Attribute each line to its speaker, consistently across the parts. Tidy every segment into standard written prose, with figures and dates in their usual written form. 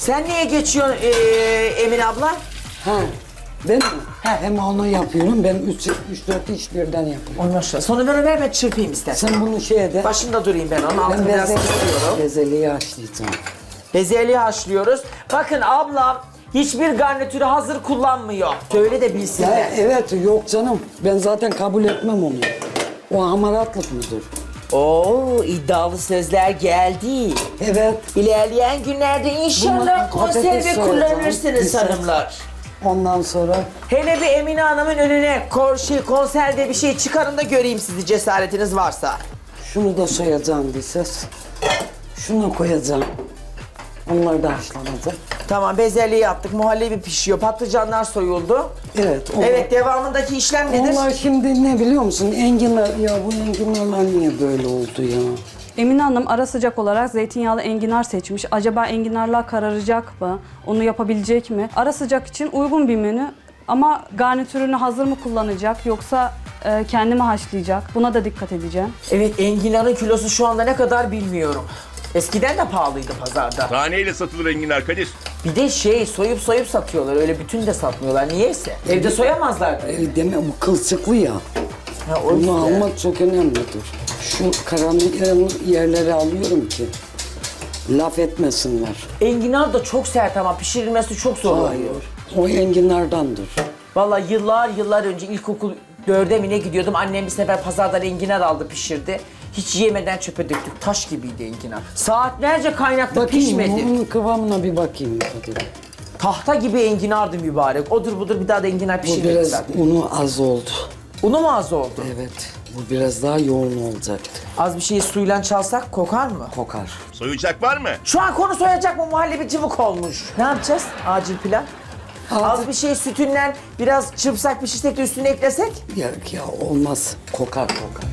Speaker 1: Sen niye geçiyorsun Emine abla?
Speaker 2: Ha, ben mi? Hem onu yapıyorum, ben 3-4 iş birden yapıyorum.
Speaker 1: Ondan sonra. Sonra ver ben çırpayım istersen.
Speaker 2: Sen bunu şeye de...
Speaker 1: Başında durayım ben onun altını
Speaker 2: Ben
Speaker 1: biraz kısıyorum.
Speaker 2: bezeliği haşlayacağım.
Speaker 1: Bezelyeli haşlıyoruz. Bakın ablam hiçbir garnitürü hazır kullanmıyor. Söyle de bilsinler.
Speaker 2: Ya, evet, yok canım. Ben zaten kabul etmem onu. O hamaratlık mıdır?
Speaker 1: Oo, iddialı sözler geldi.
Speaker 2: Evet.
Speaker 1: İlerleyen günlerde inşallah
Speaker 2: Bunu patates
Speaker 1: konserve
Speaker 2: soyacağım.
Speaker 1: kullanırsınız
Speaker 2: Güzel.
Speaker 1: hanımlar.
Speaker 2: Ondan sonra
Speaker 1: Hele bir Emine Hanım'ın önüne konserve bir şey çıkarın da göreyim sizi cesaretiniz varsa.
Speaker 2: şunu da soyacağım bir ses. Şunu koyacağım. Onlar da haşlanacak.
Speaker 1: Tamam, bezelye yaptık, muhallebi pişiyor, patlıcanlar soyuldu.
Speaker 2: Evet. Onlar,
Speaker 1: Evet, devamındaki işlem nedir?
Speaker 2: onlar şimdi ne biliyor musun? Enginar, ya bu enginarlar niye böyle oldu ya?
Speaker 3: Emine Hanım ara sıcak olarak zeytinyağlı enginar seçmiş. Acaba enginarlar kararacak mı? Onu yapabilecek mi? Ara sıcak için uygun bir menü ama garnitürünü hazır mı kullanacak yoksa kendi mi haşlayacak? Buna da dikkat edeceğim.
Speaker 1: Evet, enginarın kilosu şu anda ne kadar bilmiyorum. Eskiden de pahalıydı pazarda.
Speaker 4: Taneyle satılır enginar Kadir.
Speaker 1: Bir de soyup satıyorlar, öyle bütün de satmıyorlar. Niyeyse? Evde soyamazlar.
Speaker 2: Deme bu kılçıklı ya.
Speaker 1: Ha, o
Speaker 2: Bunu
Speaker 1: yüzden.
Speaker 2: almak çok önemlidir. Şu karanlık yerleri alıyorum ki laf etmesinler.
Speaker 1: Enginar da çok sert ama pişirilmesi çok zor oluyor.
Speaker 2: Hayır. O enginardandır.
Speaker 1: Vallahi yıllar önce ilkokul 4'e mi ne gidiyordum. Annem bir sefer pazardan enginar aldı, pişirdi. Hiç yemeden çöpe döktük. Taş gibiydi enginar. Saatlerce kaynakta pişmedi.
Speaker 2: Onun kıvamına bir bakayım. Hadi.
Speaker 1: Tahta gibi enginardı mübarek. Odur budur bir daha da enginar
Speaker 2: Bu
Speaker 1: pişirmediler.
Speaker 2: biraz unu az oldu.
Speaker 1: Unu mu az oldu?
Speaker 2: Evet. Bu biraz daha yoğun olacaktı.
Speaker 1: Az bir şeyi suyla çalsak kokar mı?
Speaker 2: Kokar.
Speaker 4: Soyacak var mı?
Speaker 1: Şu an konu soyacak mı, muhallebi cıvık olmuş. Ne yapacağız? Acil plan. Az bir şey sütünden biraz çırpsak, pişirsek de üstüne eklesek.
Speaker 2: Ya olmaz. Kokar.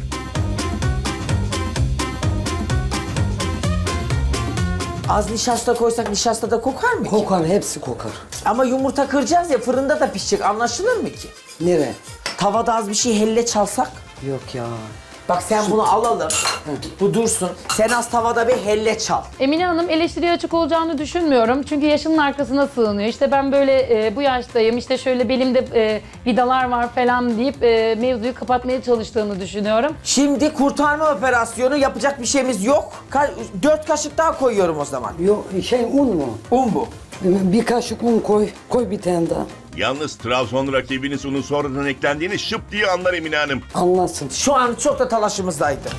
Speaker 1: Az nişasta koysak nişasta da kokar mı ki?
Speaker 2: Kokar, hepsi kokar.
Speaker 1: Ama yumurta kıracağız ya, fırında da pişecek, anlaşılır mı ki?
Speaker 2: Nere?
Speaker 1: Tavada az bir şey helle çalsak.
Speaker 2: Yok ya.
Speaker 1: Bak sen bunu alalım. Bu dursun. Sen az tavada bir helle çal.
Speaker 5: Emine Hanım eleştiriye açık olacağını düşünmüyorum. Çünkü yaşının arkasına sığınıyor. İşte ben böyle bu yaştayım, işte şöyle belimde vidalar var falan deyip mevzuyu kapatmaya çalıştığını düşünüyorum.
Speaker 1: Şimdi kurtarma operasyonu yapacak bir şeyimiz yok. 4 kaşık daha koyuyorum o zaman.
Speaker 2: Yok un mu?
Speaker 1: Un bu.
Speaker 2: Bir kaşık un koy. Koy bir tane daha.
Speaker 4: Yalnız Trabzon rakibiniz unun sonradan eklendiğini şıp diye anlar Emine Hanım.
Speaker 2: Anlasın.
Speaker 1: Şu an çok da talaşımızdaydı.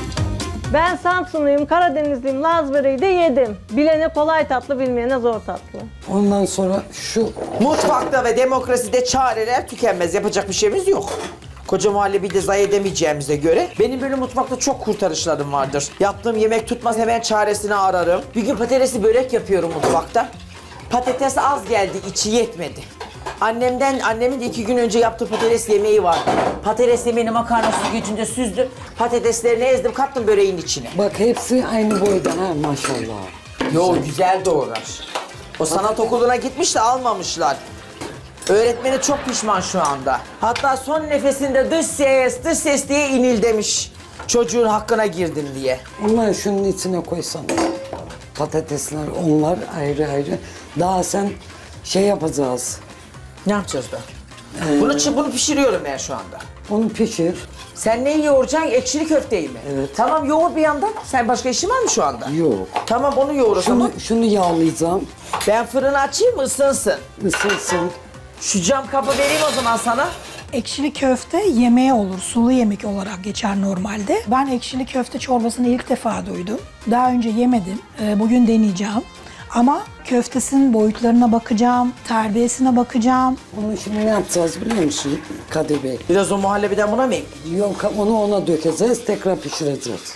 Speaker 6: Ben Samsunluyum, Karadenizliyim, Laz böreği de yedim. Bilene kolay tatlı, bilmeyene zor tatlı.
Speaker 2: Ondan sonra şu
Speaker 1: Mutfakta ve demokraside çareler tükenmez. Yapacak bir şeyimiz yok. Koca muhallebi de zayi edemeyeceğimize göre benim böyle mutfakta çok kurtarışlarım vardır. Yaptığım yemek tutmaz, hemen çaresini ararım. Bir gün patatesli börek yapıyorum mutfakta. Patates az geldi, içi yetmedi. Annemin de 2 gün önce yaptığı patates yemeği vardı. Patates yemeğini makarna süzgecinde süzdüm. Patateslerini ezdim, kattım böreğin içine.
Speaker 2: bak hepsi aynı boyda ha maşallah.
Speaker 1: Yo, güzel doğrar. O sanat okuluna gitmiş de almamışlar. Öğretmeni çok pişman şu anda. Hatta son nefesinde dış ses diye inil demiş. Çocuğun hakkına girdin diye.
Speaker 2: Onları şunun içine koysan. Patatesler onlar ayrı. Daha sen şey yapacağız.
Speaker 1: Ne yapacağız da? Bunu pişiriyorum ben şu anda.
Speaker 2: Onu pişir.
Speaker 1: Sen neyi yoğuracaksın? Ekşili köfteyi mi?
Speaker 2: Evet.
Speaker 1: Tamam, yoğur bir yandan. Sen başka işin var mı şu anda?
Speaker 2: Yok.
Speaker 1: Tamam, onu yoğur o zaman.
Speaker 2: Şunu yağlayacağım.
Speaker 1: Ben fırını açayım mı, ısınsın?
Speaker 2: Isınsın.
Speaker 1: Şu cam kabı vereyim o zaman sana.
Speaker 7: Ekşili köfte yemeği olur, sulu yemek olarak geçer normalde. Ben ekşili köfte çorbasını ilk defa duydum. Daha önce yemedim, bugün deneyeceğim. Ama köftesinin boyutlarına bakacağım, terbiyesine bakacağım.
Speaker 2: Onu şimdi ne yapacağız biliyor musun Kadir Bey?
Speaker 1: Biraz o muhallebiden buna mı ekleyeyim?
Speaker 2: Yok, onu ona dökeceğiz, tekrar pişireceğiz.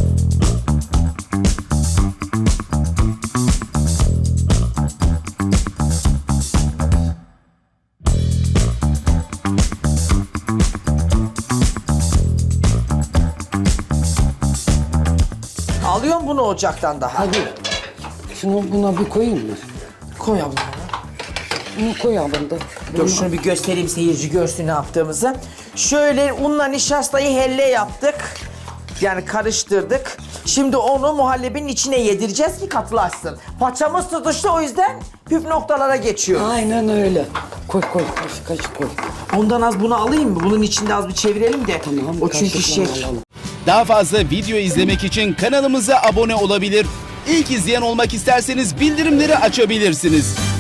Speaker 1: Alıyorum bunu ocaktan daha.
Speaker 2: Hadi. Şunu buna bir koyayım mı?
Speaker 1: Koy abla.
Speaker 2: Bunu koyalım da.
Speaker 1: Dur şunu bir göstereyim, seyirci görsün ne yaptığımızı. Şöyle unla nişastayı helle yaptık. Yani karıştırdık. Şimdi onu muhallebinin içine yedireceğiz ki katılaşsın. Paçamız tutuştu, o yüzden püf noktalara geçiyor.
Speaker 2: Aynen öyle. Koy kaşık koy.
Speaker 1: Ondan az bunu alayım mı? Bunun içinde az bir çevirelim de.
Speaker 2: Tamam,
Speaker 1: O çünkü
Speaker 2: kaşıkla
Speaker 1: şey.
Speaker 2: alalım.
Speaker 8: Daha fazla video izlemek için kanalımıza abone olabilir. İlk izleyen olmak isterseniz bildirimleri açabilirsiniz.